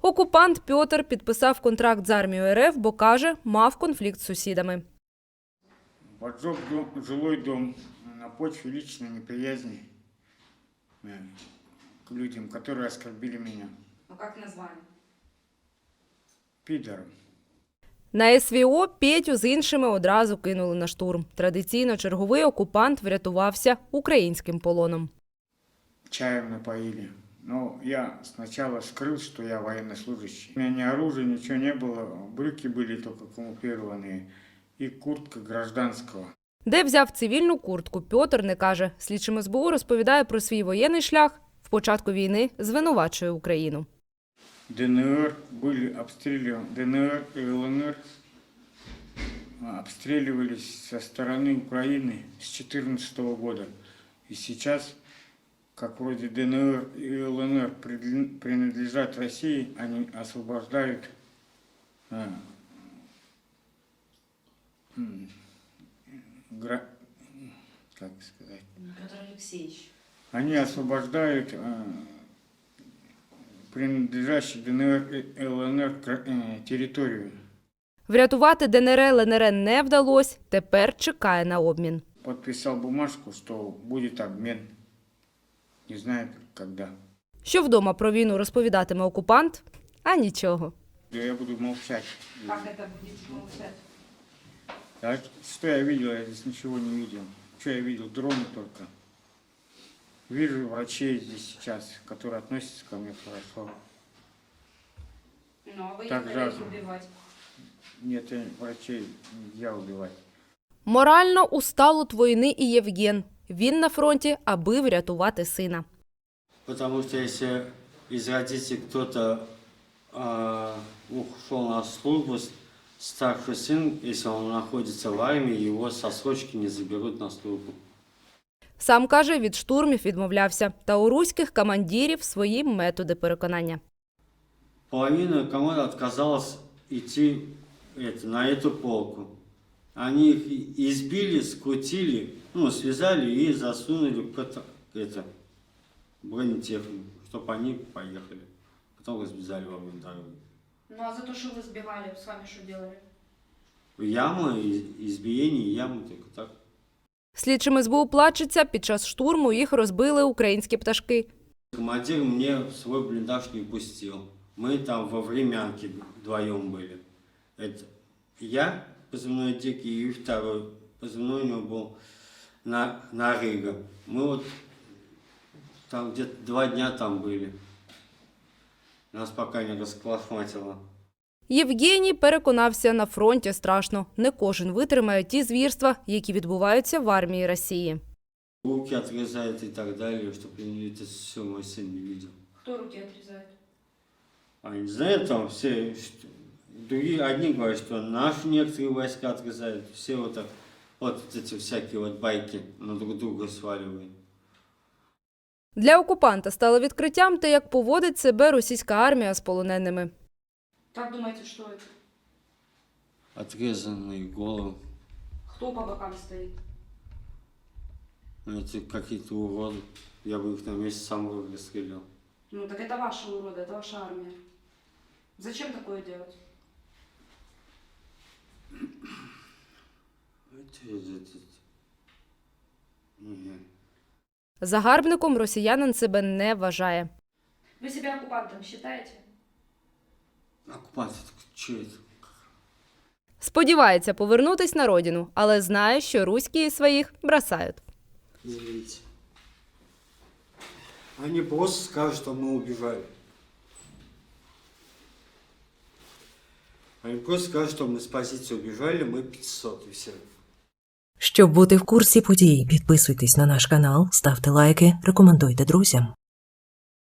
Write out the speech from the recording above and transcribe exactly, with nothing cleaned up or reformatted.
Окупант Пьотр підписав контракт з армією РФ, бо, каже, мав конфлікт з сусідами. Поджег дом, жилой дом на почве личной неприязни э, к людям, которые оскорбили меня. Ну как назвали? Пидором. На СВО Петю з іншими одразу кинули на штурм. Традиційно черговий окупант врятувався українським полоном. Чаем напоили. Но я сначала скрыл, что я военнослужащий. У меня ни оружия, ничего не было. Брюки были только камуфлированные. И куртка гражданского. Де взяв цивільну куртку, Пьотр не каже. Слідчим ес бе у розповідає про свій воєнний шлях. В початку війни звинувачує Україну. ДНР были обстреливаны, ДНР и ЛНР обстреливались со стороны Украины с две тысячи четырнадцатого года. И сейчас, как вроде ДНР и ЛНР принадлежат России, они освобождают а, гра, как сказать? Петр Алексеевич. Они освобождают а, принадлежащую ДНР и ЛНР територію. Врятувати ДНР, ЛНР не вдалося, тепер чекає на обмін. Підписав бумажку, що буде обмін. Не знаю, коли. Що вдома про війну розповідатиме окупант? А нічого. Я буду мовчати. Как это будете молчать? А что я видел? Я здесь ничего не видел. Что я видел? Дроны только. Вижу врачей здесь сейчас, которые относятся ко мне хорошо. Ну, а вы Так не жалко. хотите убивать. Нет, я врачей нельзя убивать. Морально устал від війни і Євген. Він на фронті, аби врятувати сина. Потому что если из родителей кто-то э, ушел на службу, старший сын, если он находится в армии, его со срочки не заберут на службу. Сам, каже, від штурмів відмовлявся. Та у руських командирів свої методи переконання. Половина команды отказалась идти это, на эту полку. Они их избили, скрутили, ну, связали и засунули в это, это, бронетехнику, чтобы они поехали. Потом разбежали во время дороги. Ну а за то, что вы сбегали, с вами что делали? Яма, избиение, ямы, только так. Слідчим ес бе у плачеться, під час штурму їх розбили українські пташки. Командир мне в свой блиндаж не пустил. Мы там во времянке вдвоем были. Это я, позывной Дикий, и второй, позывной у него был на, Нарыга. Мы вот там где-то два дня там были. Нас пока не расколошматило. Євгеній переконався, на фронті страшно. Не кожен витримає ті звірства, які відбуваються в армії Росії. Руки отрезают и так далее, чтобы это все мой сын не видел. Кто руки отрезает? А не знаю, там все, что, другие, одни говорят, что наши некоторые войска отрезают, все вот так, вот эти всякие вот байки на друг друга сваливают. Для окупанта стало відкриттям те, як поводить себе російська армія з полоненими. Как думаете, что это? Отрезанные головы, Кто по бокам стоит? эти какие-то уроды, я бы их на месте сам бы расстрелял. Ну так это ваши уроды, это ваша армия. Зачем такое делать? Это, это, это. Не. Загарбником росіянин себе не вважає. Вы себя оккупантом считаете? Оккупанты, так что это? Сподівається повернутись на родину, але знає, що руські своїх бросають. Извините. Они просто скажут, что мы убежали. Они просто скажут, что мы с позиции убежали, мы пятьсот и все. Щоб бути в курсі подій, підписуйтесь на наш канал, ставте лайки, рекомендуйте друзям.